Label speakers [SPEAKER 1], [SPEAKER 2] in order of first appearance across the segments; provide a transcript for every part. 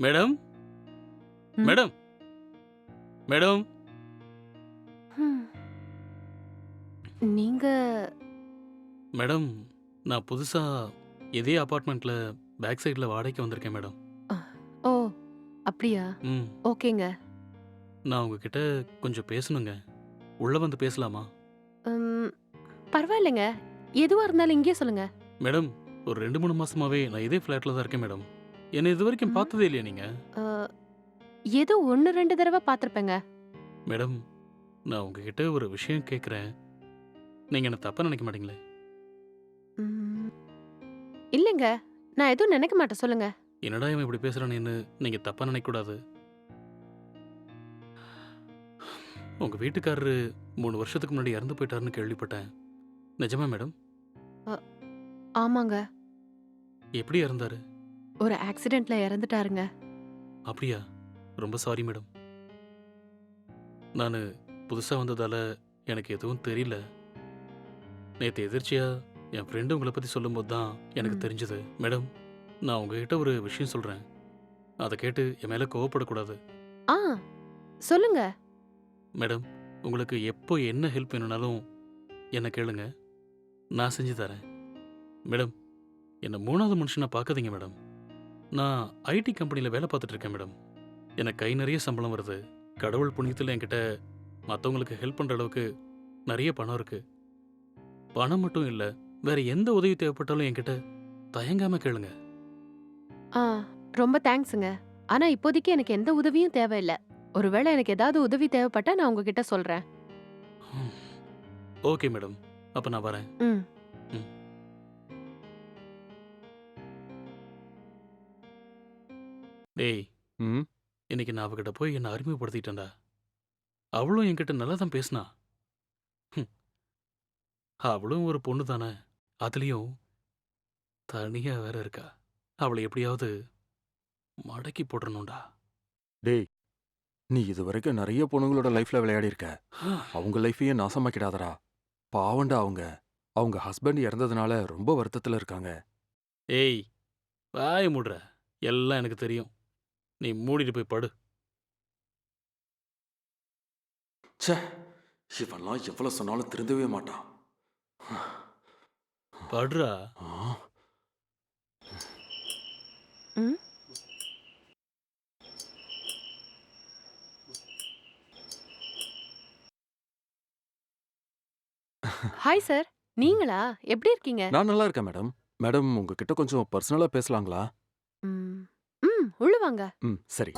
[SPEAKER 1] Madam madam madam
[SPEAKER 2] ஹம். நீங்க
[SPEAKER 1] madam நான் புதுசா இதே அபார்ட்மெண்ட்ல பேக் சைடுல வாடகைக்கு வந்திருக்கேன் மேடம்.
[SPEAKER 2] அ, ஓ அப்படியா?
[SPEAKER 1] ம்
[SPEAKER 2] ஓகேங்க.
[SPEAKER 1] நான் உங்ககிட்ட கொஞ்சம் பேசணுங்க. உள்ள வந்து பேசலாமா?
[SPEAKER 2] ம், பரவாயில்லைங்க. எதுவா இருந்தாலும் இங்கேயே சொல்லுங்க.
[SPEAKER 1] மேடம் ஒரு 2-3 மாசமாவே நான் இதே ஃப்ளாட்ல தான் இருக்கேன் மேடம். என்னை இது வரைக்கும்
[SPEAKER 2] ம்,
[SPEAKER 1] பார்த்ததே இல்லையா நீங்க?
[SPEAKER 2] அ, ஏதோ ஒன்னு ரெண்டு தடவை பார்த்திருப்பேங்க.
[SPEAKER 1] மேடம் நான் உங்ககிட்ட ஒரு விஷயம் கேட்குறேன். நீங்க என்ன தப்பா நினைக்க மாட்டீங்களே?
[SPEAKER 2] ம், இல்லைங்க. நான் எதுவும் நினைக்க மாட்டேன், சொல்லுங்க.
[SPEAKER 1] என்னடா இவன் இப்படி பேசுறானேன்னு நீங்க தப்பா நினைக்கக்கூடாது. உங்க வீட்டுக்காரரு 3 வருஷத்துக்கு முன்னாடி இறந்து போயிட்டாருன்னு கேள்விப்பட்டேன். நிஜமா மேடம்?
[SPEAKER 2] அ, ஆமாங்க.
[SPEAKER 1] எப்படி இறந்தாரு?
[SPEAKER 2] ஒரு ஆக்சிடென்ட்ல இறந்துட்டாருங்க.
[SPEAKER 1] அப்படியா? ரொம்ப சாரி மேடம். நானு புதுசா வந்ததால எனக்கு எதுவும் தெரியல. நேத்து எதிர்ச்சியா என் ஃப்ரெண்டு உங்களை பத்தி சொல்லும்போது தான் எனக்கு
[SPEAKER 2] ம்.
[SPEAKER 1] தெரிஞ்சது. மேடம், நான் உங்ககிட்ட ஒரு விஷயம் சொல்றேன். அதை கேட்டு என் மேல கோவப்படக்கூடாது.
[SPEAKER 2] ஆ, சொல்லுங்க.
[SPEAKER 1] மேடம், உங்களுக்கு எப்போ என்ன ஹெல்ப் வேணும்னாலும் என்ன கேளுங்க. நான் செஞ்சு தரேன். மேடம், என்ன 3வது மனுஷனா பார்க்காதீங்க மேடம். நான் ஐடி கம்பெனில வேலை பார்த்துட்டு இருக்கேன் மேடம். எனக்கு கை நிறைய சம்பளம் வருது. கடவுள் புண்ணியத்தில் என்கிட்ட மற்றவங்களுக்கு ஹெல்ப் பண்ற அளவுக்கு நிறைய பணம் இருக்கு. பணம் மட்டும் இல்ல, வேற எந்த உதவி தேவைப்பட்டாலும் என்கிட்ட தயங்காம கேளுங்க.
[SPEAKER 2] ஆ, ரொம்ப தேங்க்ஸுங்க. ஆனா இப்போதைக்கு எனக்கு எந்த உதவியும் தேவையில்ல. ஒருவேளை எனக்கு ஏதாவது உதவி தேவைப்பட்டா நான் உங்ககிட்ட சொல்றேன்.
[SPEAKER 1] ஓகே மேடம், அப்ப நான் வரேன்.
[SPEAKER 2] ம்.
[SPEAKER 1] ம். டேய்,
[SPEAKER 3] ம்
[SPEAKER 1] இன்னைக்கு நான் அவகிட்ட போய் என்ன அறிமுகப்படுத்திட்டேன்டா. அவளும் என்கிட்ட நல்லா தான் பேசினா. ஹம், அவளும் ஒரு பொண்ணு தானே, அதுலயும் தனியா வேற இருக்கா. அவளை எப்படியாவது மடக்கி போட்டுறணும்டா.
[SPEAKER 3] டேய், நீ இதுவரைக்கும் நிறைய பொண்ணுங்களோட லைஃப்ல விளையாடி இருக்க. அவங்க லைஃபையே நாசமாக்கிடாதடா. பாவண்டா அவங்க. அவங்க ஹஸ்பண்ட் இறந்ததுனால ரொம்ப வருத்தத்துல இருக்காங்க.
[SPEAKER 1] ஏய், வாய மூடுற. எல்லாம் எனக்கு தெரியும். நீ மூடிட்டு போய் படு.
[SPEAKER 3] ச்சே, இவன்லாம் எவ்வளவு சொன்னாலும் திருந்தவே மாட்டான்.
[SPEAKER 1] படுறா.
[SPEAKER 3] ஆ,
[SPEAKER 2] ம். Hi sir. நீங்களா? எப்படி இருக்கீங்க?
[SPEAKER 3] நான் நல்லா இருக்கேன் மேடம். மேடம், உங்ககிட்ட கொஞ்சம் பர்சனலா பேசலாங்களா?
[SPEAKER 2] ம். ம், உள்ள வாங்க.
[SPEAKER 3] ம், சரி.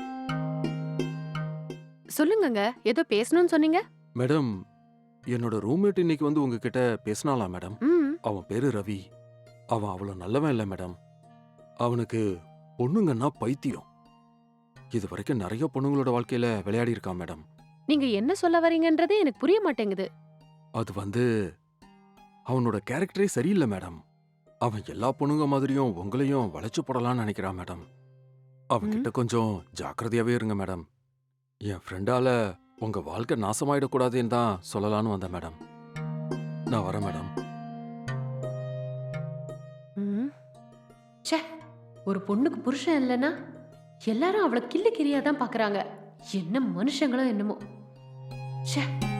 [SPEAKER 2] சொல்லுங்கங்க. ஏதோ பேசணும்னு சொன்னீங்க?
[SPEAKER 3] மேடம், என்னோட ரூம்மேட் இன்னைக்கு வந்து உங்ககிட்ட பேசினாலாம் மேடம்.
[SPEAKER 2] ம்.
[SPEAKER 3] அவன் பேரு ரவி. அவன் அவ்வளவு நல்லவன் இல்ல மேடம். அவனுக்கு பொண்ணுங்கன்னா பைத்தியம். இது வரைக்கும் நிறைய பொண்ணுங்களோட வாழ்க்கையில விளையாடி இருக்கான் மேடம்.
[SPEAKER 2] நீங்க என்ன சொல்ல வரீங்கன்றதே எனக்கு புரிய மாட்டேங்குது.
[SPEAKER 3] அது வந்து அவனோட கேரக்டரே சரியில்லை மேடம். அவன் எல்லா பொண்ணுங்க மாதிரியும் உங்களையும் வளைச்சு போடலாம்னு நினைக்கிறான் மேடம். அவன்கிட்ட கொஞ்சம் ஜாக்கிரதையாவே இருங்க மேடம். என் ஃப்ரெண்டால உங்க வாழ்க்கை நாசமாயிடக்கூடாதுன்னு தான் சொல்லலான்னு வந்தேன் மேடம். நான் வரேன் மேடம்.
[SPEAKER 2] ம். ச்சே, ஒரு பொண்ணுக்கு புருஷன் இல்லைன்னா எல்லாரும் அவளை கிள்ளு கிரியா தான் பாக்குறாங்க. என்ன மனுஷங்களோ என்னமோ. ச்சே.